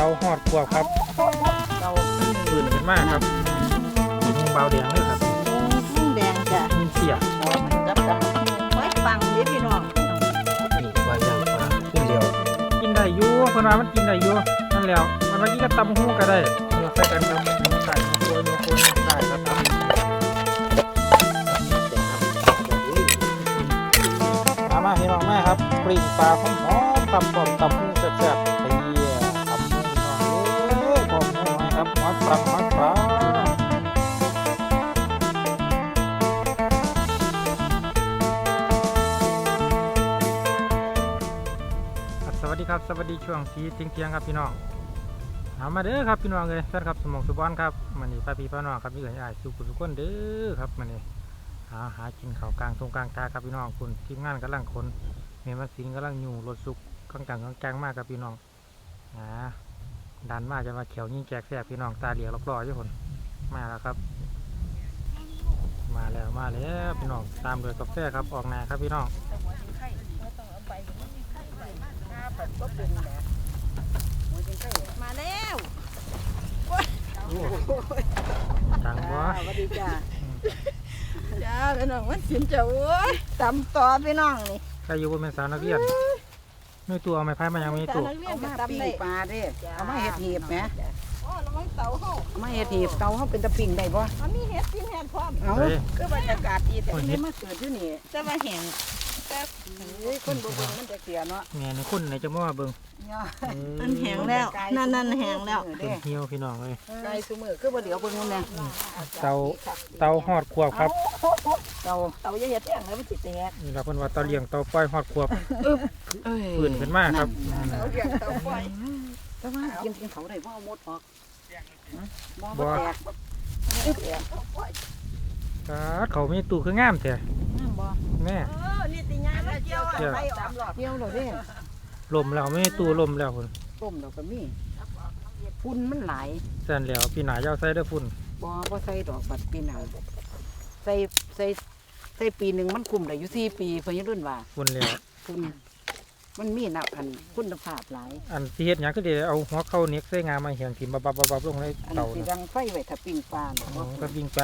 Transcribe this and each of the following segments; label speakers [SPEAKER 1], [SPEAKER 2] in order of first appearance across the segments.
[SPEAKER 1] หอดขวบครับเตาปืนขึ้นมากครับมุงเบาแดงเลยครับ
[SPEAKER 2] มุ้งแดงจ้ะ
[SPEAKER 1] มุงเสีย
[SPEAKER 2] มันกับไว้ฟังดิพี่น้อง
[SPEAKER 1] นี่ปลาย่างปลาขึ้นเดียวกินได้อยู่เพิ่นว่ามันกินได้อยู่นั่นแล้วมันว่ากินกับตำหูก็ได้เนื้อใส่กันครับใส่โคนใส่ครับมาพี่น้องมาครับปริงปลาหอมๆตำตำหูแซ่บๆไปเยี่ยตำหูน้องหอมน้อยครับหอมปลาสวัสดีครับสวัสดีช่วงสีเที่ยงครับพี่น้องมาเด้อครับพี่น้องเลยแฟนครับสมองสุบอนครับมันนี่ป้าพี่ป้าน้องครับพี่เอ๋ยสุขุสุขคนเด้อครับมันนี่หากินข้าวกลางทงกลางตาครับพี่น้องคุณทีมงานกำลังคนเมียมาสิงกำลังอยู่รถสุกกลางมากครับพี่น้องดันมากจะมาเขียวยิ่งแจกแสบพี่น้องตาเหลียวรออยู่คนมาแล้วครับมาแล้วพี่น้องตามโดยกาแฟครับออกนาครับพี่น้อง
[SPEAKER 2] มาแล้ว
[SPEAKER 1] จังวะ
[SPEAKER 2] สวัสดีจ้าจ้าพี่น้องวันสินจะโอ้ยตำต่อพี่น้องนี่
[SPEAKER 1] ใครอยู่บนเป็นสาวนักเรียนไม่ตัวเอาไม้พายมายังไม่ตัว
[SPEAKER 2] เอามาปิ้งปลาเด้เอามาเห็ดหีบไหมอ๋อระวังเตาเฮา
[SPEAKER 3] เอามาเห็ดหีบเตาเฮาเป็นตะปิ่งได้บ่
[SPEAKER 2] มันมีเห็ดกินเห็ดพร้อม
[SPEAKER 3] เอาคือบรรยากาศดีแต่นี่มาเกิดอยู่นี่
[SPEAKER 2] จะมาแห้งแต่
[SPEAKER 3] คนบ่เบิ่งมันจะเสียเนาะ
[SPEAKER 1] แม่ในคนไหนจะมาเบิ่ง
[SPEAKER 2] มันแห้งแล้วนั่นแห้งแล้ว
[SPEAKER 1] เป็นเหี่ยวพี่น้องเลย
[SPEAKER 3] ไก่ซุมื้อคือบ่เหลียวเบิ่งแน่
[SPEAKER 1] เตาหอดขวบครับ
[SPEAKER 3] เตาอย่าเฮ็ดแห้งแล้วมันสิแตก
[SPEAKER 1] นี่เราเพิ่นว่าเตาเลี้ยงเตาปล่อยหอดขวบฟื้นขึ้นมาครับ
[SPEAKER 3] เตาเลี้ยงเตาปล่อยแต่ว่ากินเขาได้บ่เอาหมดออกบ่แตก
[SPEAKER 1] เขามีตู้คืองามแท้แม่
[SPEAKER 2] นี่ติญามาเกี่ยวไป3รอบ
[SPEAKER 3] เกี่ยวแล้วเด้
[SPEAKER 1] ลมแล้วไม่ตู้ลมแล้วพุ่น
[SPEAKER 3] ต้มแล้วก็มีฝุ่นมันหลาย
[SPEAKER 1] สั่นแล้วปีหน้าอย่าใส่เด้อฝุ่น
[SPEAKER 3] บ่ใส่ดอกบัดปีหน้าใส่ปีนึงมันคุมได้อยู่4ปีเพิ่นรุ่นว่า
[SPEAKER 1] ฝุ่นแล้ว
[SPEAKER 3] ฝุ่นมันมีนับอันคุณภาพหลาย
[SPEAKER 1] อันที่เฮ็ดหยังก็ได้เอาหัวเข้าเน็กใส่งามาเหี่ยงถิ่มบับลงในเตา
[SPEAKER 3] สิดังไฟไว้ถ้าปิ้งปลา
[SPEAKER 1] ก็ปิ้งปลา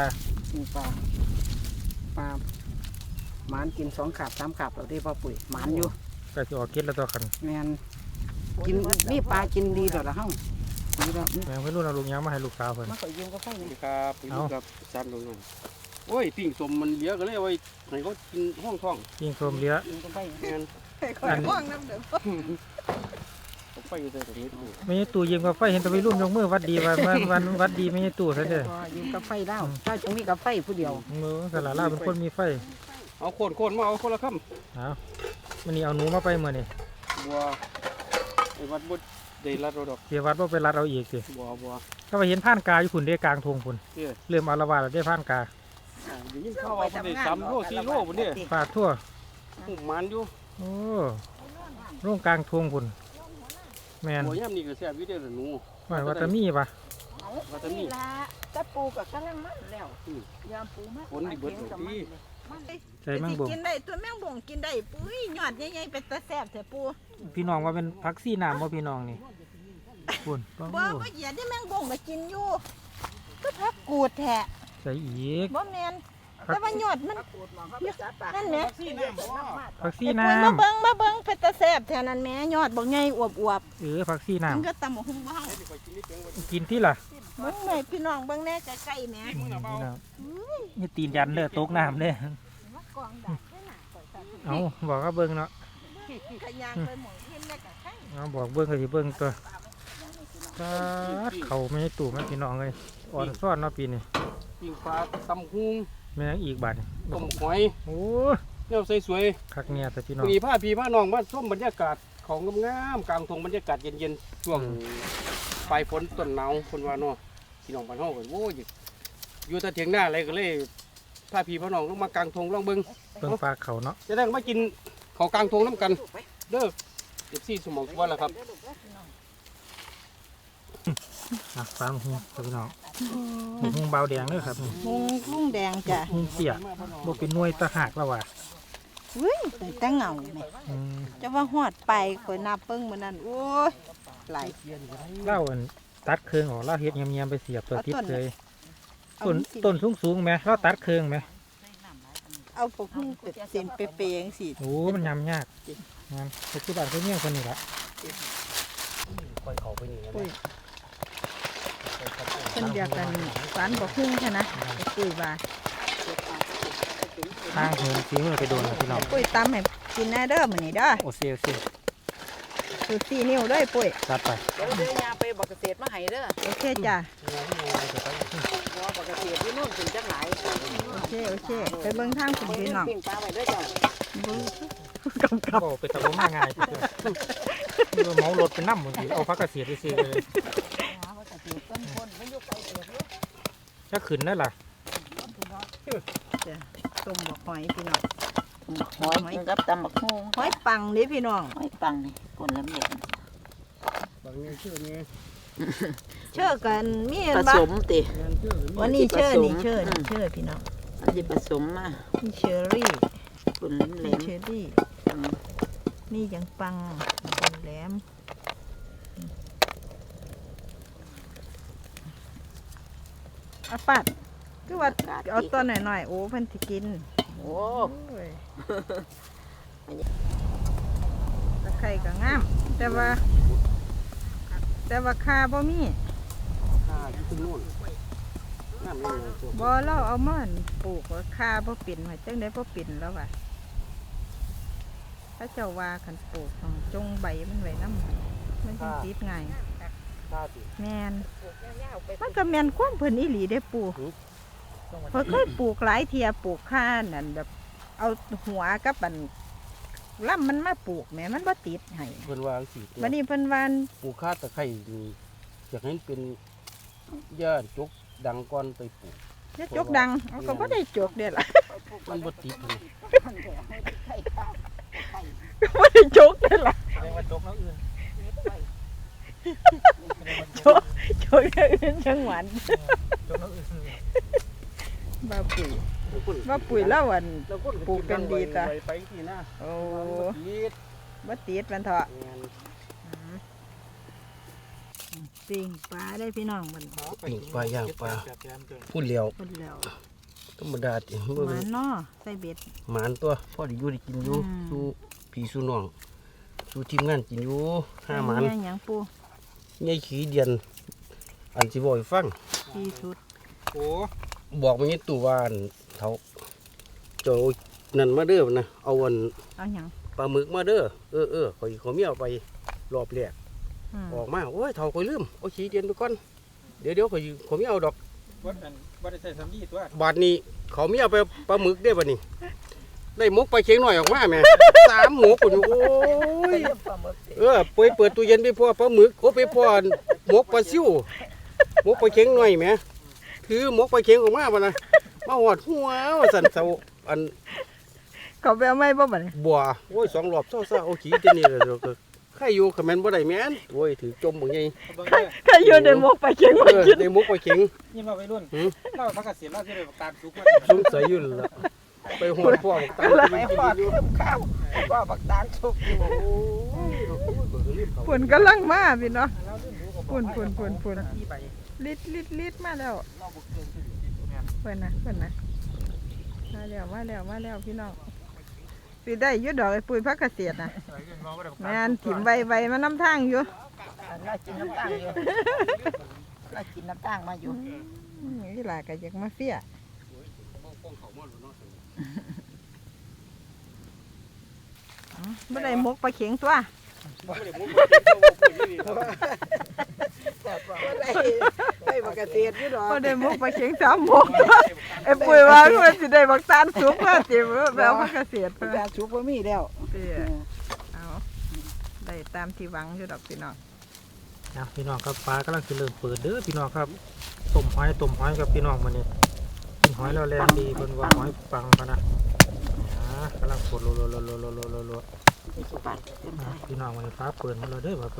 [SPEAKER 3] หมานกิน2 ขาบ 3 ขาบแล้วที่พ่อปุ๋ยหมานอยู่
[SPEAKER 1] ก็สิออกเก็ดแล้วตัวคัน
[SPEAKER 3] แม่นกินมีปลากินดีดอกละเฮาดีดอก
[SPEAKER 1] แม่ไม่รู้เอาลูกยังมาให้ลูกสาวเพิ่น
[SPEAKER 3] มาขอยืมกาแฟหน่อย
[SPEAKER 4] ครับอยู่กับจานลงหน่อยโอ้ยปิ้งสมมันเหลือก็เลยเอาไว้ให้เขากินห้องท้อง
[SPEAKER 1] ปิ้งสมเหลือ
[SPEAKER 3] กาแฟ
[SPEAKER 4] งั้น
[SPEAKER 2] ห้องน้ำเด้อ
[SPEAKER 4] ไปอยู่ตรงนี้
[SPEAKER 1] ไม่ใช่ตู้ยืมกาแฟเห็นแตะวัยรุ่นยกมือวัดดีวันวัดดีไม่ใช่ตู้ซะเด้อ
[SPEAKER 3] ยืมกาแฟแล้วถ้าจะมีกาแฟผู้เดียว
[SPEAKER 1] สลาล่าเป็นคนมีไฟ
[SPEAKER 4] เอาโคนมาเอาคนละคำ
[SPEAKER 1] มันนี่เอาหนูมาไปเมื่อนี่
[SPEAKER 4] บัวไอ้วัดบุตรได้รัดเราดอก
[SPEAKER 1] เดี๋ยววัดว่าไปรัดเอาอีกสิ
[SPEAKER 4] บัว
[SPEAKER 1] ก็ไปเห็นผ่านกาอยู่ฝุ่นได้กลางทงฝุ่นเริ่มอารวาสแล้วได้ผ่านกา
[SPEAKER 4] อยู่ยิ่งเข้าเอาไป3 โล 4 โลบนนี้
[SPEAKER 1] ฝาดทั่ว
[SPEAKER 4] มันอยู่
[SPEAKER 1] โอ้ร่วงกลางทงฝุ่นแมน
[SPEAKER 4] หัวย่ำนี่ก็แซ่บวิเดียวหนู
[SPEAKER 1] ว่าจะมีปะ
[SPEAKER 4] ว่าจะมี
[SPEAKER 2] ละตะปูกับกำลังมันแล้วยามปูมา
[SPEAKER 4] ฝนดีเบิดดี
[SPEAKER 1] ใส่แมงบ่ง
[SPEAKER 2] กินได้ตัวแมงบ่งกินได้ปุ้ยยอดใหญ่ๆเป็นตะแซ่บแท้ปู
[SPEAKER 1] พี่น้องว่าเป็นพักซี่น้ำว่าพี่น้องนี่ฝุ่น
[SPEAKER 2] บ่เหยียดได้แมงบ่งก็กินอยู่ก็พักกูดแท้
[SPEAKER 1] ใส่อีก
[SPEAKER 2] บ่แม่นแต่ว่ายอดมันนั่นแหละ
[SPEAKER 1] ผักซี่น้
[SPEAKER 2] ำมาเบิ่งเป็นตะแซ่บแท้นั่นแม่ยอดบ่ใหญ่อวบ
[SPEAKER 1] ผักซี่น้ำ
[SPEAKER 2] มันก็ตำหุงเบา
[SPEAKER 1] กินที่ล่ะ
[SPEAKER 2] เบิ่งแม่พี่น้องเบิ่งแน่ใกล้ๆแม่
[SPEAKER 1] นี่ตีนยันเด้อตกน้ำเด้อเอาบอกว่าเบิ่งเนาะเอาบอกเบิ่งก็สิเบิ่งตัวเขาไม่ให้ตู่แม่พี่น้องเลยอ่อนซ้อนเนาะปีนี้
[SPEAKER 4] ปิ้งปลาตำหุง
[SPEAKER 1] แม่อีกบาท
[SPEAKER 4] ต้มหอย
[SPEAKER 1] โอ้
[SPEAKER 4] เนี่ยใส่สวย
[SPEAKER 1] คักเนี่ยแต่พี่น้อง
[SPEAKER 4] มีผ้าน้องมาส้มบรรยากาศของงามกลางทงบรรยากาศเย็นๆช่วงปลายฝนต้นหนาวคนว่าเนาะพี่น้องบ้านเฮาก็โว้ยอยู่แต่เถียงหน้าอะไรก็เลยผ้าน้องลงมากลางทงลองเบิ่ง
[SPEAKER 1] ปลาเขาเนาะ
[SPEAKER 4] จะได้มากินของกลางทงน้ำกันเด้อ14 สมองวันละครับ
[SPEAKER 1] ปลาหุงพี่น้องหุงเบาแดงเลยครับ
[SPEAKER 2] หุงแดงจ้ะ
[SPEAKER 1] หุงเสียบ่เป็นหน่วยตะหักแล้วว่ะ
[SPEAKER 2] แต่เงาจะว่าหอดไปคอยนับเปิ้งเหมือนนั้นโอ้ย
[SPEAKER 3] หลาย
[SPEAKER 1] เล่าอันตัดเครื่องออกเล่าเฮ็ดเงียบๆไปเสียบตัวติดเลย
[SPEAKER 3] เอา
[SPEAKER 1] ต้น
[SPEAKER 3] สิ
[SPEAKER 1] ต้นสูงๆไหมเล่าตัดเครื่องไหม
[SPEAKER 2] เอาพวกนี้เป็ดเส้นเปย์ๆจังซี่
[SPEAKER 1] โอ้มันยำยากงานปัจจุบันเขาเนี่ยคนนี้ละ
[SPEAKER 4] ค่อยเข้าไปนี่นะ
[SPEAKER 2] ปุ้ยเพิ่นอยากกันฝันบ่คุ้งใช่นะไอ้ปุ้ยว่า
[SPEAKER 1] ทางเหินซีมือไปโดนแล้วพี่น้อง
[SPEAKER 2] ปุ้ยตำให้กินแน่เด้อมื้อนี้เด้อ
[SPEAKER 1] โอเซี
[SPEAKER 2] สูตร4นิ้วเด้อปุ้ย
[SPEAKER 1] จัดไป
[SPEAKER 3] เดี๋ยวยาไปบักเกษตรมาให้เด้อ
[SPEAKER 2] โอเคจ้ะ
[SPEAKER 3] หัวบักเกษตรที่นู่นถึงจังหลาย
[SPEAKER 2] โอเคไปเบิ่งทางคุณพี่น้อง
[SPEAKER 3] ปิ้งปลาไว้เด้อจ้ะ
[SPEAKER 1] ก็เป็นตะลุมาง่ายเพื่อนเมารถเป็นน้ำหมดสิเอาพักเกษียณไปซื้อเลย
[SPEAKER 3] หาบักเกษตรต้นคนมันอยู่ไกลเกิดอยู่
[SPEAKER 1] จะขึ้นได้ล่ะ
[SPEAKER 2] ต้มบักหอยพี่น้อง
[SPEAKER 3] หอยกินกับตำบักฮู้
[SPEAKER 2] หอยปังเด้พี่น้อง
[SPEAKER 3] หอยปังนี่คนละเม็ด
[SPEAKER 4] บางนี้ชื่อนี้
[SPEAKER 2] เชื่อกันมี
[SPEAKER 3] ผ
[SPEAKER 2] อันบ่
[SPEAKER 3] สมติ
[SPEAKER 4] งานชื่อนี้
[SPEAKER 2] วันนี้เชื่อ
[SPEAKER 3] ผสม
[SPEAKER 2] นี่เชื่อนี่เชื่อพี่น้อง
[SPEAKER 3] อันนี้ผสมมา
[SPEAKER 2] นี่เชอรี่
[SPEAKER 3] คนเหล
[SPEAKER 2] นี่
[SPEAKER 3] ม
[SPEAKER 2] เชอรี่ นี่ยังปังเป็นแหลมอาปัดก็ว่าเอาตัวหน่อยๆโอ้เพิ่นสิกิน
[SPEAKER 3] โอ้
[SPEAKER 2] โอ้ยตะไคร่ก็งาม แต่ว่าคาบ่มี
[SPEAKER 4] ข้าที่ขึ้นนู่นน้ำนี่เลยตัว
[SPEAKER 2] บ่เราเอามาอั่นปลูกว่าคาบ่เป็นว่าจังได๋บ่เป็นแล้วว่ะถ้าเจ้าว่าคันปลูกต้องจงใบมันไว้นำมันจังติดง่าย
[SPEAKER 4] ข้าติ
[SPEAKER 2] แม่นมันก็แม่นความเพิ่นอีหลีได้ปลูกเพิ่นเคยปลูกหลายเที่ยปลูกข้านั่นแบบ เอาหัวกับอันลำมันมาปลูกแหม่มันบ่ติดให้
[SPEAKER 4] เพิ่นวางสีตัว
[SPEAKER 2] วันนี้เพิ่นว่า
[SPEAKER 4] ปลูกข้าตะไคร้นี่อยากให้เป็นย่านจกดังก่อนไปปลูก
[SPEAKER 2] จะจกดังเอาก็บ่ได้จกเด้ล่ะ
[SPEAKER 4] มันบ่ติดเลย
[SPEAKER 2] บ่ได้จกเด้ล่ะ
[SPEAKER 1] แสดงว่าจกน้ำอื่น
[SPEAKER 2] จกอย่างอื่นจังหวัด
[SPEAKER 1] จกน้ำอื่น
[SPEAKER 2] บ่ปุ๋ยบ่ปุ๋ยแล้วอัน ปลูกเป็นดีจ้ะ
[SPEAKER 4] ไปที่หน้า
[SPEAKER 2] โอ้
[SPEAKER 4] ติด
[SPEAKER 2] บ่ติดมันเถาะ
[SPEAKER 4] แม่น
[SPEAKER 2] ปิ้งปลาได้พี่น้องมัน
[SPEAKER 4] ปิ้งปลาย่างปลา พูดเลี้ยว
[SPEAKER 2] เพิ่นแล้ว
[SPEAKER 4] ธรรมดาติ
[SPEAKER 2] หมาเนาะใส่เบ็ด
[SPEAKER 4] หมานตัวพ่อได้อยู่ได้กินอยู่
[SPEAKER 2] อืม
[SPEAKER 4] สู่พี่สู่น้องสู่ทีมงานกินอยู่ห้าหมาน
[SPEAKER 2] แม่หยังปู
[SPEAKER 4] ใหญ่ขี้เดียน อันสิบ่ให้ฟัง
[SPEAKER 2] ที่สุด
[SPEAKER 1] โอ้
[SPEAKER 4] บอกมันนี่ตู่ว่าอั่นเขาเจ้านั่นมาเด้อนะเอาอัน
[SPEAKER 2] เอาหยัง
[SPEAKER 4] ปลาหมึกมาเด้อเขามีเอาไปรอบแรก
[SPEAKER 2] อืม
[SPEAKER 4] ออกมาโอ้ยเท่าข่อยลืมเอาขี้เดียนไปก่อนเดี๋ยวเขามีเอาดอก
[SPEAKER 1] วัดได้ใส่สำลีตัว
[SPEAKER 4] บาดนี้เขามีเอาไปปลาหมึกได้บัดนี้ ได้หมกไปเคียงหน่อยออกมาแม่ สามหมกอยู่โอ้ยเปิดตู้เย็นไปพ่อปลาหมึกโอ้ไปพ่อหมกปลาซิวหมกไปเคียงหน่อยแม่ถือหมกไปเคียงออกมาบ่นะมาหอดหัวว่าสั่นเสาอัน
[SPEAKER 2] เขาไปเอาไม้บ่บัดนี้
[SPEAKER 4] บัวโอ้ย2 รอบเศร้าๆเอาขี้เจนี่เลยใครอยู่คอมเมนต์บ่ได้แม่นโอ้ยถือจมบ่ไง
[SPEAKER 2] ถ้าอยู่ในหมกไปเคียงมากิน
[SPEAKER 4] ได้หมกไปเคียง
[SPEAKER 1] ยินว่าไปรุ่นเล่าพักเกษียณเล่าจะได้ตามสุกมา
[SPEAKER 4] สงสัยอยู่แล้วไปหอดพ่อบอกตาม
[SPEAKER 3] ไปหอดเพิ่มข้าวว่าบักตาลสุกอยู่
[SPEAKER 2] ฝุ่นกำลังมาพี่น้องฝุ่น
[SPEAKER 1] ที่ไป
[SPEAKER 2] ลิดมาแล้วเพิ่นนะมาแล้วพี่น้องสิได้อยุดดอกไอ้ปุ๋ยพักเกษตรนะแม่นถิ่มใบมานำทางอยู่
[SPEAKER 3] น่ากินน้ำตาลอยู่น่ากินน้ำตาลมาอยู่
[SPEAKER 2] นี่ล่ะก็อยากมาเฟียบ่ได้หมกปลาเข็งตัว
[SPEAKER 3] ไปบักเกษตรอยู่ดอก
[SPEAKER 2] บ่ได้หมกปลาเข็ง3หมกไอ้ปุ๋ยว่ามันสิได้บักตาลสุกมาติแบบพักเกษตร
[SPEAKER 3] บักตาลสุกบ่มีแล้ว
[SPEAKER 2] เอาได้ตามที่หวังอยู่ดอกพี่น้อง
[SPEAKER 1] นะพี่น้องครับฟ้ากำลังจะเริ่มเปิดเด้อพี่น้องครับต้มหอยกับพี่น้องมื้อนี้กินหอยแล้วแรงดีเพิ่นว่าหอยปังพะนะกำลังปวดโลพี่น้องวันนี้ฟ้าเปิดมาแล้วเด้อว่าเปิด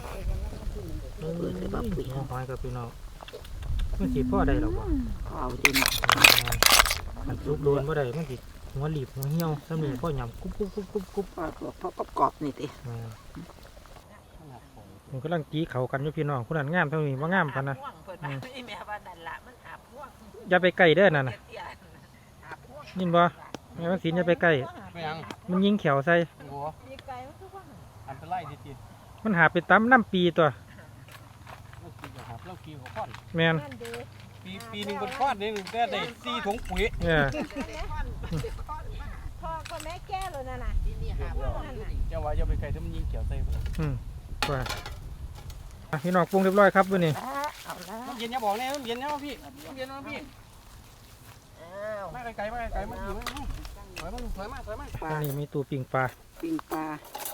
[SPEAKER 1] หอยกับพี่น้องมันสิพ่อได้หรอวะ
[SPEAKER 3] เอาดิน
[SPEAKER 1] มันซุกโดนบ่ได้มันสิหัวหลีบหัวเหี่ยวซ้ำนี่พ่อหยำกุ๊บ
[SPEAKER 3] พอประกอบนี่ติ
[SPEAKER 1] พผมกำลังจีเขากันอยู่พี่น้องคนนั้นงามเท่านี้ว่างามกันนะ
[SPEAKER 2] พ่วงเพิ่นว่าอีแม่ว่านั่นล่ะมันหาพ่วง
[SPEAKER 1] อย่าไปใกล้เด้อนั่นน่ะ
[SPEAKER 2] เตี้ยๆหาพ่วง
[SPEAKER 1] ยินบ่แม่ว่าสินอย่าไปใกล้
[SPEAKER 4] ไม่ยัง
[SPEAKER 1] มันยิงเขียวใส่
[SPEAKER 4] โอ้
[SPEAKER 2] มีไก่มันคือว่า
[SPEAKER 4] อันเป็นไล่ดิ
[SPEAKER 1] มันหาไปตำน้ำปีตัว
[SPEAKER 4] เรากินกับเรากินกับก้อน
[SPEAKER 1] แม่น
[SPEAKER 2] นั่นเด้
[SPEAKER 4] ปีหนึ่งเป็นก้อนนี่ได้4 ถุงปุ๋ย
[SPEAKER 1] เนี่ย
[SPEAKER 2] พ่อก็แม่แก้เลยนั่นน่ะนี่หาพ่วงนั่นน่ะ
[SPEAKER 4] เจ้าว่าจะไปไกลถ้ามันยิงเขียวใส่ไปเลย
[SPEAKER 1] ว่าอ่ะพี่น้องปรุงเรียบร้อยครับวันนี้
[SPEAKER 2] เอาละ
[SPEAKER 4] มันเย็นอย่าบอกเนี่ยมันเย็นนะพี่มันเย็นนะพี่
[SPEAKER 2] อ้าว
[SPEAKER 4] มาไกลๆมาไกลๆมาอยู่มาถอยมา
[SPEAKER 1] อันนี้มีตู้ปิ่งปลา
[SPEAKER 3] ปิ้งปลา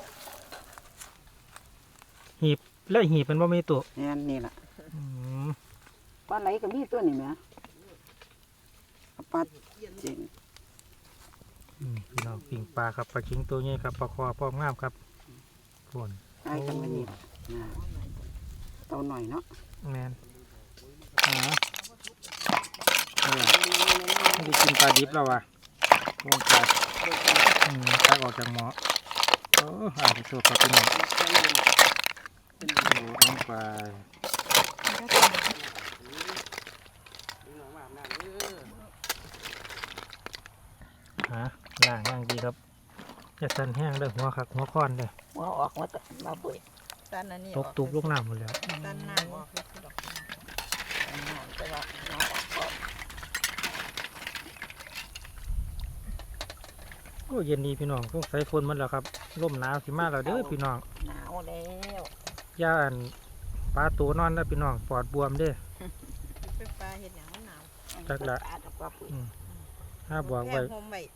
[SPEAKER 1] หีบและหีบเป็นบ่มีตู้
[SPEAKER 3] แม่นนี่ล่ะ
[SPEAKER 1] อืม
[SPEAKER 3] ปลาไหลก็มีตัวนี่แหมปลาเจ๋ง
[SPEAKER 1] พี่น้องปิ่งปลาครับปลาชิงตัวใหญ่ครับปลาคอพร้อมงามครับฝน
[SPEAKER 3] ได้กันมานี่ล่ะนะเตาหน่อยเนาะ
[SPEAKER 1] แมนไม่ได้กินปลาดิบแล้วว่ะลงไปตักออกจากหม้อโอ้อ่านสดครับพี่น้องลงไปล่างย่างดีครับจะสั่นแห้งเด้อหัวคักหัวค้อนเด้อ
[SPEAKER 3] หัวออกมาเปิด
[SPEAKER 2] ตันอันนี้
[SPEAKER 1] ตกตุบลูกน้ำหมดแล้ว
[SPEAKER 2] ตันน้ำออก
[SPEAKER 3] แต่ว่าหัวออกก็
[SPEAKER 1] โอ้เย็นดีพี่น้องต้องใส่ฝนมันแล้วครับร่มหนาวสิมาแล้วเด้อพี่น้อง
[SPEAKER 3] หนาวแล้ว
[SPEAKER 1] ย่าอันปลาตัวนอนแล้วพี่น้องปอดบวมเด้อ
[SPEAKER 2] เป็นปลาเห็ดหยังมันหนาว
[SPEAKER 1] จักละ
[SPEAKER 3] ปลาดอกปลาปุ๋ย
[SPEAKER 1] ถ้าบอกไว้
[SPEAKER 2] แค่ห่มไว้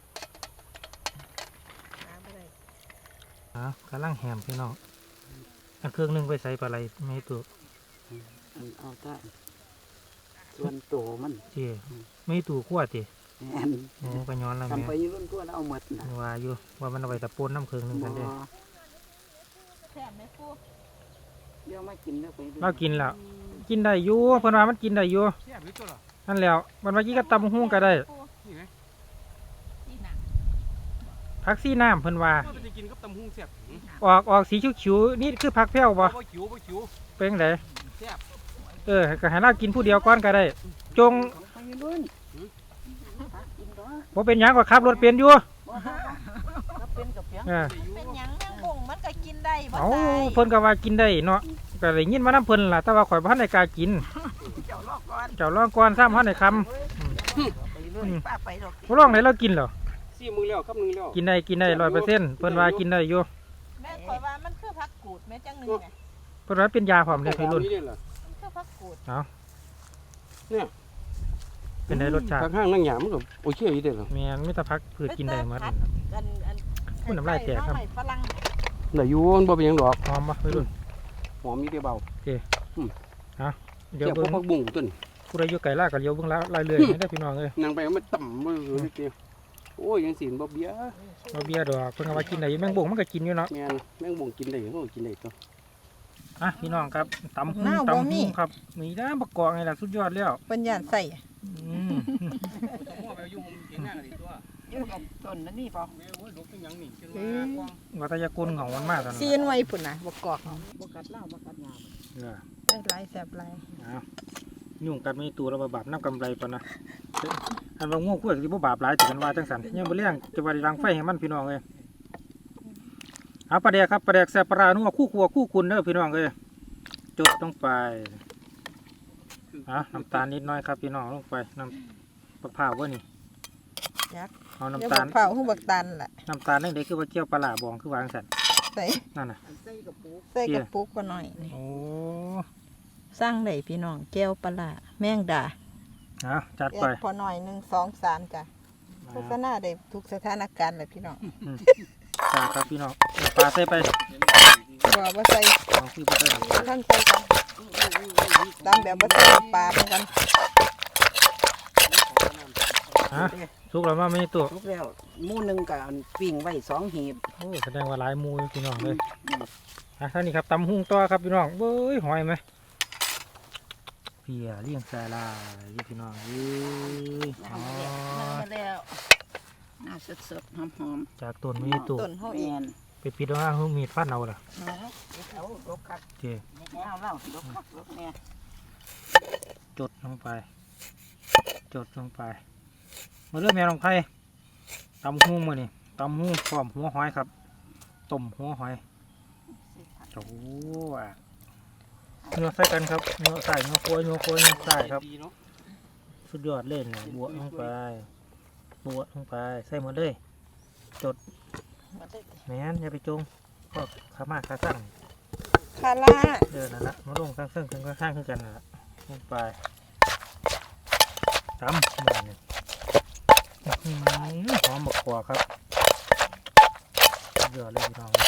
[SPEAKER 2] หาบ่ได้
[SPEAKER 1] กำลังแหมพี่น้องอันเครื่องหนึงไปใส่ปลาไหลไม่ตัว
[SPEAKER 3] เอาได้ส่วนโตมัน
[SPEAKER 1] เจีไม่ตัวขั้วจี
[SPEAKER 3] แม่น
[SPEAKER 1] โอ้ก็ย้อนแล้ว
[SPEAKER 3] ทำ
[SPEAKER 1] แม่
[SPEAKER 3] ไปยืนตัวแล้วเอาหมดนะ
[SPEAKER 1] ว่าอยู่ว่ามันเอาไปตะปูนน้ำเครื่องหนึงกันเด้อ
[SPEAKER 2] แซ่บไหมปู
[SPEAKER 3] เดี๋ยวมากินแล้วไป
[SPEAKER 1] เรากินแล้วกินได้อยู่เพิ่นว่ามันกินได้อยู่
[SPEAKER 4] เสียบอยู่ตัวเหรอ
[SPEAKER 1] นั่นแล้วมันว่ากี้ก็ตำหุ้งก็ได้
[SPEAKER 4] นี่ไง
[SPEAKER 2] ที่หนัก
[SPEAKER 1] ผักซีน้ำเพิ่นว่า
[SPEAKER 4] ก็จะกินกับตำหุ้งเสียบ
[SPEAKER 1] ออกสีขิวๆนี่คือผักแพ้วบ่
[SPEAKER 4] บ่ขิว
[SPEAKER 1] เป็นจังได
[SPEAKER 4] เสียบ
[SPEAKER 1] ก็ให้เรากินผู้เดียวก่อนก็ได้ จง
[SPEAKER 3] ไปยืนกินตัว
[SPEAKER 1] บ่เป็นหยังก็ขับรถเป็นอยู่
[SPEAKER 3] ถ้าเป็นกับเพียง
[SPEAKER 1] เออ
[SPEAKER 2] เป็นหยังแมงบ่งมันก็กินได้บ่
[SPEAKER 1] เอา
[SPEAKER 2] ตาย
[SPEAKER 1] เพิ่นก็ว่ากินได้เนาะก็ได้ยินมานํเพิ่นล่ะแต่ว่าข่อยบ่ทันได้กล้ากิน
[SPEAKER 3] เจ้าลอกก่อน
[SPEAKER 1] เจ้าลองก่อนซ้ำทันได้คำ
[SPEAKER 3] ไปยืนป้าไปดอก
[SPEAKER 1] บ่ลองได้เรากินเหรอ
[SPEAKER 4] 4 มื้อแล้วครับนึงแล้ว
[SPEAKER 1] กินได้100%เพิ่นว่ากินได้อยู่
[SPEAKER 2] แม่ข่อยว่ามันคือผักกูดแม่จังหนึงไง
[SPEAKER 1] เพิ่นว่าเป็นยาพร้อมเด้อพี่รุ่น
[SPEAKER 4] นี่เหรอ
[SPEAKER 2] มันคือผักกูด
[SPEAKER 1] เป็นได้รสชาติ
[SPEAKER 4] ทางห้างนั่งหยามันก็โอเคอยู่เด้อเหรอ
[SPEAKER 1] แม่นมีแต่ผักพืชกินได้หมด
[SPEAKER 2] อัน
[SPEAKER 1] พูดน้ำลายแตกครับ
[SPEAKER 2] ใส่ฝรั่ง
[SPEAKER 4] ได้อยู่มันบ่เป็นหยังดอก
[SPEAKER 1] หอมบ่พี่รุ่น
[SPEAKER 4] หอมมีแต่เบา
[SPEAKER 1] เดี๋ยว
[SPEAKER 4] เจ้าพว
[SPEAKER 1] เบิ่
[SPEAKER 4] ก
[SPEAKER 1] ง
[SPEAKER 4] ผักบุ้งตัวนี้
[SPEAKER 1] ผู้ใดอยู่ไกลลาก็เลี้ยวเบิ่งลายเรื่อยได้อพี่น้องเอ้ย
[SPEAKER 4] นั่งไปมันต่ำมือนิดเดียวโอ้ยยังสินบ่เบี้ย
[SPEAKER 1] บ่เบียดอกเพิ่นก็ว่ากินได้อยู่แมงบ่งมันก็กินอยู่เนาะ
[SPEAKER 4] แม่นแมงบุ้งกินได้ก็กินได้ตัว
[SPEAKER 1] อ่ะพี่น้องครับตำหูครับนี่นะบักกอกนี่ล่ะสุดยอดแล้ว
[SPEAKER 2] เพิ่นย่านใส่
[SPEAKER 1] อืม
[SPEAKER 3] อยู่กับต้นนั่นนี่ป่ะ
[SPEAKER 1] วัตยากลเหงามันมากตอนนั้น
[SPEAKER 2] ซีนไว้พุ่นน่ะบ่กอก
[SPEAKER 3] บกัดเหล้าบกัดยา
[SPEAKER 1] เออ
[SPEAKER 2] ได้หลายแซ่บหลาย
[SPEAKER 1] เอายุ่งกันไม่ตัวแล้วบาปน้ำกำไรปะนะอันว่าง่วงกล้วยสิบ่บาปหลายแต่กันว่าจังสันยังบ่เลี้ยงจะว่าได้รังไฟให้มันพี่น้องเอ้ยเอาปลาแดกครับปลาแดกแซ่บปลาร้านัวคู่ครัวคู่คุณเด้อพี่น้องเอ้ยจดลงไปน้ำตาลนิดน้อยครับพี่น้องลงไปน้ำมะพร้าวว่านี่เอา
[SPEAKER 2] เดี๋ยว
[SPEAKER 1] น้ำตา
[SPEAKER 2] บั
[SPEAKER 1] ล
[SPEAKER 2] กเผาฮู้บักตันล่ะ
[SPEAKER 1] น้ำตาลนี่เด็กคือว่าเกี่ยวปลาร้าบองคือวางสัน
[SPEAKER 2] ใส่
[SPEAKER 1] นั่นน่ะ
[SPEAKER 3] ใส่กับปู
[SPEAKER 2] ใส่กระปุกบ่หน่อยนี่
[SPEAKER 1] โอ้
[SPEAKER 2] สร้างได้พี่น้องแก้วปลาร้าแมงดา
[SPEAKER 1] เอาจัด
[SPEAKER 2] แย
[SPEAKER 1] ไป
[SPEAKER 2] กพอหน่อย1 2 3จ้ะโฆษณาได้ทุกสถานการณ์เลยพี่น้อง
[SPEAKER 1] จัดครับพี่น้องเอาปลาใส่ไป
[SPEAKER 2] บ่ใส่
[SPEAKER 1] เอาคือบ่ใส่น้ำตาล
[SPEAKER 2] ท่านใส่กันตามแบบบ่ใส่น้ำปลาเหมือนกัน
[SPEAKER 1] สุกแล้วมาไม่ตัว
[SPEAKER 3] ทุกแล้วหมู่หนึ่งกับปิ้งไว้2 หีบ
[SPEAKER 1] โอ้แสดงว่าหลายหมูอยู่พี่น้องเลยท่านี้ครับตำหุงต่อครับพี่น้องเบ้ยหอยไหมเพียเลี้ยงสาลายพี่น้องเอ้ยอ๋อ
[SPEAKER 3] แล้วน่าสดๆหอม
[SPEAKER 1] จากต้นไม่ตัว
[SPEAKER 2] ต้นเฮา
[SPEAKER 3] ๆ
[SPEAKER 2] เอ
[SPEAKER 3] แม่
[SPEAKER 2] ง
[SPEAKER 3] น
[SPEAKER 1] ไปปิดว่าเขามีดฟันเอาล่ะ
[SPEAKER 3] เอาลกคัก
[SPEAKER 1] โอเค
[SPEAKER 3] เอาเล่าลกคักลกเนี่ย
[SPEAKER 1] จดลงไป จดลงไปมาเริ่มแม่ลงไผ่ตำหูมือนี่ตำหูพร้อมหัวหอยครับต้มหัวหอยโอ้เนื้อใส่กันครับเนื้อใส่เนื้อโคยเนื้อโคยเนื้อใส่ครับ
[SPEAKER 4] ดีเนาะ
[SPEAKER 1] สุดยอดเลยเนี่ยบวกลงไปบวกลงไปใส่หมดเลยจดแม่นอย่าไปจงก็ขามาขาสั่ง
[SPEAKER 2] คาร่า
[SPEAKER 1] เดินนั่นละมาลงข้างซึ่งข้างข้างขึ้นกันนั่นละลงไปตำหมูเนี่ยหอมบักกวาครับสุดยอดเลยพี่น้อง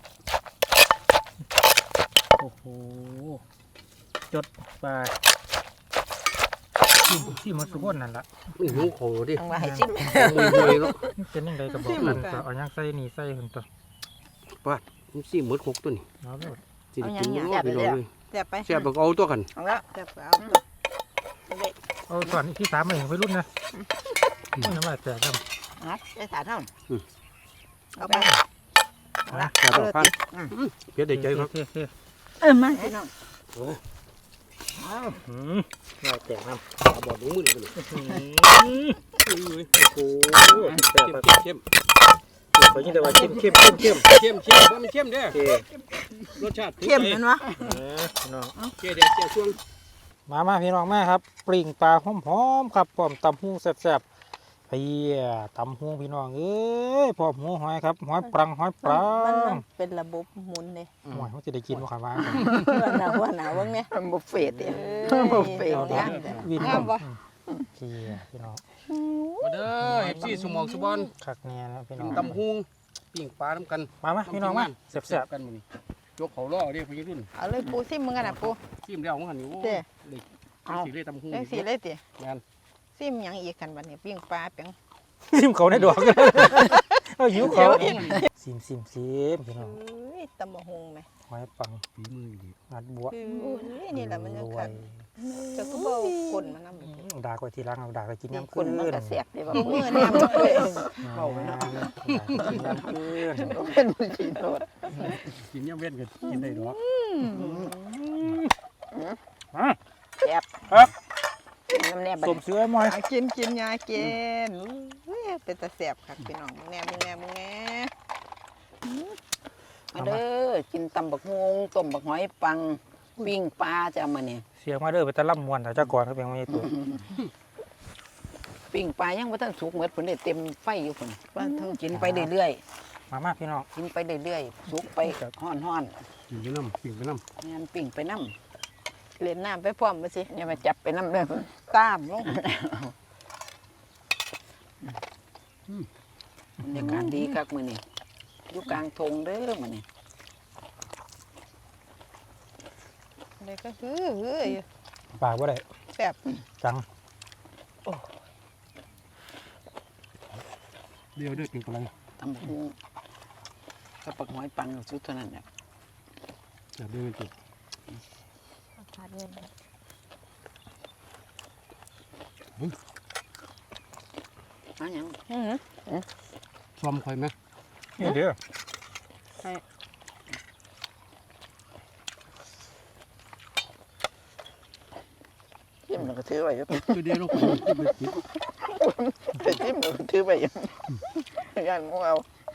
[SPEAKER 1] โอ้โหจดไปที่มันสุกนั่นละ
[SPEAKER 4] มันหิวของดิ
[SPEAKER 2] เอาไว้ให้ชิม
[SPEAKER 4] มือหวยเนาะ
[SPEAKER 1] นี่เป็นยังไงกับบอกกันก็เอาย่างใส่นี่ใส่หุ่นตัว
[SPEAKER 4] มันสิหมด6ตัวนี่
[SPEAKER 1] เอาเลย
[SPEAKER 4] สิได้กินบ่พี่น้องเลย
[SPEAKER 2] แซ่บไป
[SPEAKER 4] แซ่บบ่เอาตัวกัน
[SPEAKER 2] เอาแล้วแซ่บเอา
[SPEAKER 1] เอาส่วนที่สามมาเองไปรุ่นนะไม่น้ำลายแตกครับ
[SPEAKER 2] เอาได้สารเท่าเอาไป
[SPEAKER 1] นะ
[SPEAKER 4] แซ่บบ่พันเพียได้ใจครับ
[SPEAKER 1] เท่
[SPEAKER 2] มาพี่น้อง
[SPEAKER 1] ลายแตกน้ำ
[SPEAKER 4] เอาบ่ดูมือนี่เลย
[SPEAKER 1] โอ้โหแตกครับ
[SPEAKER 4] เข้ม
[SPEAKER 1] ขอยินดีว่าเข้ม
[SPEAKER 4] เข้มว่ามันเข้มเด้อ
[SPEAKER 1] โอเค
[SPEAKER 4] รสชาติ
[SPEAKER 2] เข้มแม่นวะ
[SPEAKER 1] พี่น้อง
[SPEAKER 4] เจ๊เด็ดเจ๊ช่วง
[SPEAKER 1] มาพี่น้องมาครับปริ่งปลาหอมๆครับพร้อมตำหูแซ่บๆพี่ตำหูพี่น้องเอ้ยพร้อมหัวหอยครับหอยปรังหอยปรั
[SPEAKER 2] มัน
[SPEAKER 1] ง
[SPEAKER 2] เป็นระบบหมุนเลย
[SPEAKER 1] หอยเขาจะได้กินบ่ครับว่า
[SPEAKER 2] หัวหนาวเบิ่งเนี่ย
[SPEAKER 3] บุฟเฟ่ต์เนี่ยบุฟเฟ่ต์
[SPEAKER 1] เดี๋
[SPEAKER 3] เนี่ย
[SPEAKER 1] วิน
[SPEAKER 2] งามบ่
[SPEAKER 1] พี่พี่น้อง
[SPEAKER 4] มาเด้อ FC สมองสุบอน
[SPEAKER 1] คักแน่นะพี่น้
[SPEAKER 4] กิ
[SPEAKER 1] อน ง
[SPEAKER 4] ตำหุงปิ้งปลาน้ำกัน
[SPEAKER 1] มาพี่น้องมาแซ่บ
[SPEAKER 4] กันมื้อนี้ยกเขาล่อเด้พี่รุ่น
[SPEAKER 2] เอาเลยปูซิมมึงกันนะปู
[SPEAKER 4] ซิมแล้วของหันนี่โอ้
[SPEAKER 2] เด้
[SPEAKER 4] เลยสิเลยตำหุง
[SPEAKER 2] จังสีเลยติ
[SPEAKER 4] งาน
[SPEAKER 2] ซิมหยังอีกกันบัดนี้ปิ้งปลาเปียง
[SPEAKER 1] ๆซิมเขาในดอกเอาหิวเขาซิมพี่น้อง
[SPEAKER 2] เอ้ยตำบักหุ่งแม่
[SPEAKER 1] หอยปัง
[SPEAKER 4] ฝีมือดี
[SPEAKER 1] งัดบัว
[SPEAKER 2] เอ้ยนี่แหละมันจะ
[SPEAKER 1] รว
[SPEAKER 2] คั
[SPEAKER 1] ย
[SPEAKER 2] กจะก็บ่คนมันนำ
[SPEAKER 1] ด่าไว้ทีหลังเอาด่าไปกินน้ำ
[SPEAKER 3] คนมันก็แสบดีว่า
[SPEAKER 2] มือเนี่ยมันเอ้ย
[SPEAKER 1] เอาไปนะกินน้ำคืน
[SPEAKER 3] เป็นมือกินโทษ
[SPEAKER 4] กินย่ำเว้นกันกินได้ดอก
[SPEAKER 3] แสบ
[SPEAKER 1] ครับ
[SPEAKER 3] น้ำแนบ
[SPEAKER 1] สมเสือมอย
[SPEAKER 2] กินยากินเอ้ยเป็นตาแสบคักพี่น้องมึงแน่
[SPEAKER 3] มาเด้อกินตำบักฮวงต้มบักหอยปังปิ้งปลาจะเอามาเนี่ย
[SPEAKER 1] เสียงมาเด้อไปตะล่ำมวนแต่เจ้าก่อนเขาเป็นไม่ตัว
[SPEAKER 3] ปิ้งปลายังบ่ทันสุกเหมือนเพิ่นได้เต็มไฟอยู่เพิ่นว่าเท่ากินไปเรื่อย
[SPEAKER 1] มาพี่น้อง
[SPEAKER 3] ๆกินไปเรื่อยๆสุกไปฮ้อน
[SPEAKER 4] กินไปน้ำปิ้งไปน้
[SPEAKER 3] ๆงานปิ้งไปน้
[SPEAKER 2] เล่นน้ำไปพร้อมมาสิ
[SPEAKER 3] ำอย่ามาจับไปน้ำเด้อ
[SPEAKER 2] ตามลง
[SPEAKER 3] บรรยากาศดีคักมื้อนี้อยู่กลางทงเด้อมื้อนี้
[SPEAKER 2] เลยก็ฮืออยู่
[SPEAKER 1] ปากว่าได้
[SPEAKER 2] แซ่บ
[SPEAKER 1] จัง
[SPEAKER 4] ำเดี๋ยวเด้อปิ้งปลา
[SPEAKER 3] ตำบักฮวงกับบักหอยปังสุดเท่านั้นแหละ
[SPEAKER 4] อย่าเด้อเป็นตัว
[SPEAKER 2] ขาดเงิน
[SPEAKER 3] มาหยัง
[SPEAKER 4] ซ้อมคอยไหม
[SPEAKER 1] นี่เด้อ
[SPEAKER 3] จิ้มแล้วก็ถือไว้อยู่
[SPEAKER 4] คือเดี๋ยวเราคุยที่ไปกิน
[SPEAKER 3] ไปจิ้มแล้วก็ถือไว้อยู่ย่านหมูเอา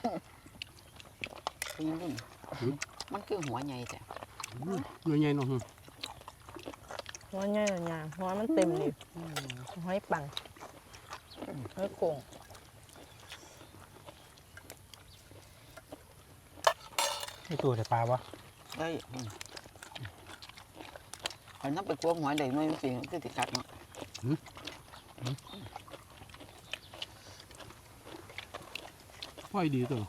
[SPEAKER 3] เป็นยังไงมันคือหัวใหญ่แต่
[SPEAKER 4] หน่วยใหญ่เนาะ
[SPEAKER 2] หัวใหญ่ๆหัวมันเต็มดิหอยปังหอยโข่ง
[SPEAKER 1] นี่ตัวแต่ปลาวะ
[SPEAKER 3] ได้อันนั้นไปกลัวหัวใหญ่หน่อยจริงๆคือติดกัดเนาะ
[SPEAKER 4] ไฟดีตัว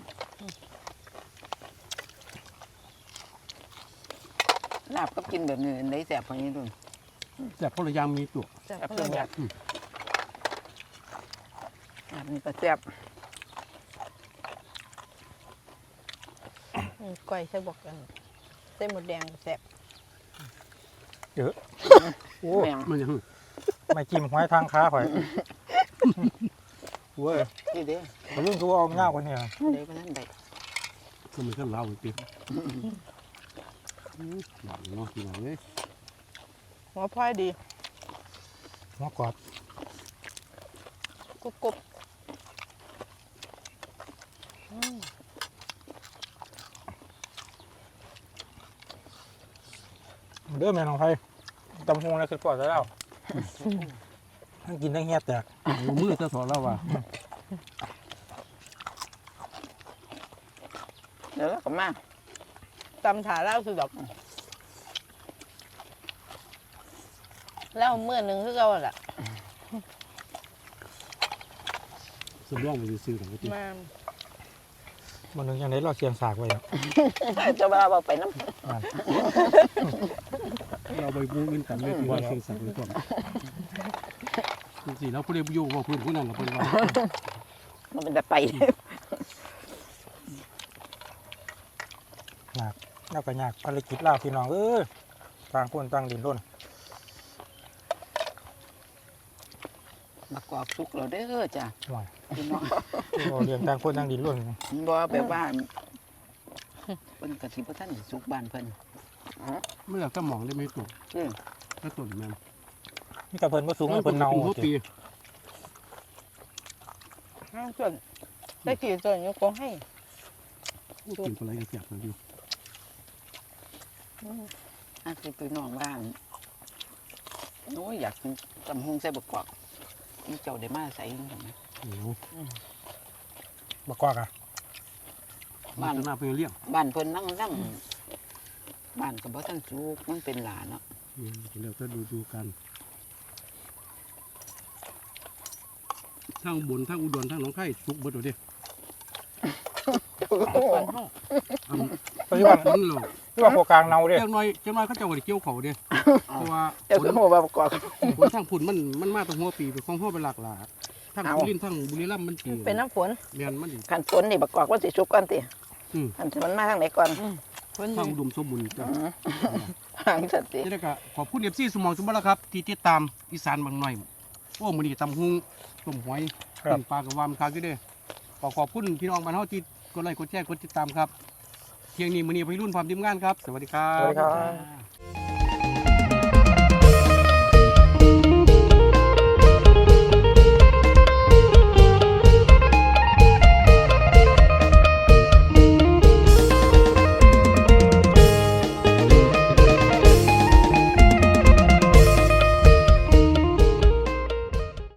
[SPEAKER 3] ลาบก็กินแบบนี้ได้แสบพอนี้ด้วย
[SPEAKER 4] แต่พลยางมีตัว
[SPEAKER 2] แซ่บ
[SPEAKER 3] แสบ
[SPEAKER 2] เพิ่
[SPEAKER 3] เพื่อน
[SPEAKER 2] น
[SPEAKER 3] อยากลาบนี่ก็แสบ
[SPEAKER 2] ก้อยใส่บอกกันใส่หมดแดงแซ่บ
[SPEAKER 1] โอ้
[SPEAKER 3] แมง
[SPEAKER 4] มันยัง
[SPEAKER 1] ไม่จิ้มหอยทางขาข่อยเว้ย
[SPEAKER 3] ที่เด้
[SPEAKER 1] เขาลุ่นตัวเอาเงากว่านี่
[SPEAKER 3] เด้ไปนั่นได้
[SPEAKER 4] ก็มันก็เล่าอีกทีหลังเนาะพี่น้องเอ้ย
[SPEAKER 2] หัวพลอยดี
[SPEAKER 1] หัวกรอบ
[SPEAKER 2] กรุบกรุบ
[SPEAKER 1] เด้อแม่น้องไผ่ตำฮงแล้วคือปอดแล้วทั้งกินทั้งเฮียแตก
[SPEAKER 4] มือจะสอนเราว่า
[SPEAKER 3] เดี๋ยวเราก็มา
[SPEAKER 2] ตำถาเล่าคือแบบเล่าเมื่อหนึ่งคือเราแหละ
[SPEAKER 4] สมร่องมันซื้อของพี่
[SPEAKER 2] มา
[SPEAKER 1] มันนึงอย่างนี้เราเสียงสากไว้อะ
[SPEAKER 3] จะมาบอกไปน้
[SPEAKER 4] เราใบบูมินกันเลยที่ว่าเชียงสักเลยก่อนจริงๆแล้วผู้ใดอยู่ว่าพื้นผู้นั้นเราเป็นว่า
[SPEAKER 3] ำมันเป็นแต่ไป
[SPEAKER 1] หนักแล้วก็ยากภารกิจล่าพี่น้องต่างคนต่างดินร่น
[SPEAKER 3] มากอกสุกเราเด้อจ้ะ
[SPEAKER 1] หน่อย
[SPEAKER 3] พี่น้อง
[SPEAKER 1] เราเรียนต่างคนต่างดินร่น
[SPEAKER 3] บ่แบบว่าเพิ่นกะทิบ่ทันสุกบ้านเพิ่น
[SPEAKER 4] ไม่อยากจะมองได้ไม่ถูก
[SPEAKER 3] อือ
[SPEAKER 4] ถ้าต้นแม่น
[SPEAKER 1] นี่กระเพิ่นบ่สูงเพิ่นเน่า
[SPEAKER 4] หัวปี
[SPEAKER 2] ส่วนได้กี่ส่วนยกกองให้
[SPEAKER 4] กินอะไรก็เสียบเลยอยู่
[SPEAKER 3] อาสิพี่น้องว่าโอ้ยอยากกินตำฮงใส่บักกอกนี่เจ้าได้มาใส่จังได๋
[SPEAKER 4] เหนียว
[SPEAKER 1] บักกอกอ่ะ
[SPEAKER 4] บ้านหน้าไปเลี้ยง
[SPEAKER 3] บ้านเพิ่นนั่งบ้านก็บ่ทันสุกมันเป็นหลาเนาะ
[SPEAKER 4] เดี๋ยวก็ดูกันทั้งบนทั้งอุดรทั้งหนองคายสุกเบิดเดี๋ยวดิ
[SPEAKER 2] ส่วนห้อง
[SPEAKER 1] ปัจจุบัน
[SPEAKER 4] มันเรา
[SPEAKER 1] ที่ว่าโคกลางเน่าเด้
[SPEAKER 4] เจ้าน้อยเขาจะว่าเกี่ยวเขาเด้เพราะว่า
[SPEAKER 3] เจ้าก็ฮู้ว่าบักกอก
[SPEAKER 4] ผลทางผุนมันมาตั้งหัวปีเป็นของหัวเป็นหลากหลายทั้ง
[SPEAKER 3] เอา
[SPEAKER 4] บุรีทั้งบุรีรัมย์มันปี
[SPEAKER 2] เป็นน้ำฝน
[SPEAKER 4] เรียนมันอีก
[SPEAKER 3] คันฝนนี่บักกอกว่าสิสุกก่อนติ
[SPEAKER 4] อืม
[SPEAKER 3] อันมันมาทางไหนก่อน
[SPEAKER 2] ฝน
[SPEAKER 4] ทางอุดมสมบูรณ์จ้ะ
[SPEAKER 3] ทางสันติ
[SPEAKER 4] นี่แหละก็ขอบคุณเอฟซีสมองสมบัติครับที่ติดตามอีสานบางหน่อยโอ้มื้อนี้ตำหุงต้มหอยต้มปลากระวามคาอยู่เด้อขอบคุณพี่น้องบ้านเฮาที่กดไลค์กดแชร์กดติดตามครับเที่ยงนี้มื้อนี้พี่รุ่นความทีมงานครับ สวัสดีครั
[SPEAKER 1] สวัส
[SPEAKER 4] บ
[SPEAKER 1] ดีครับ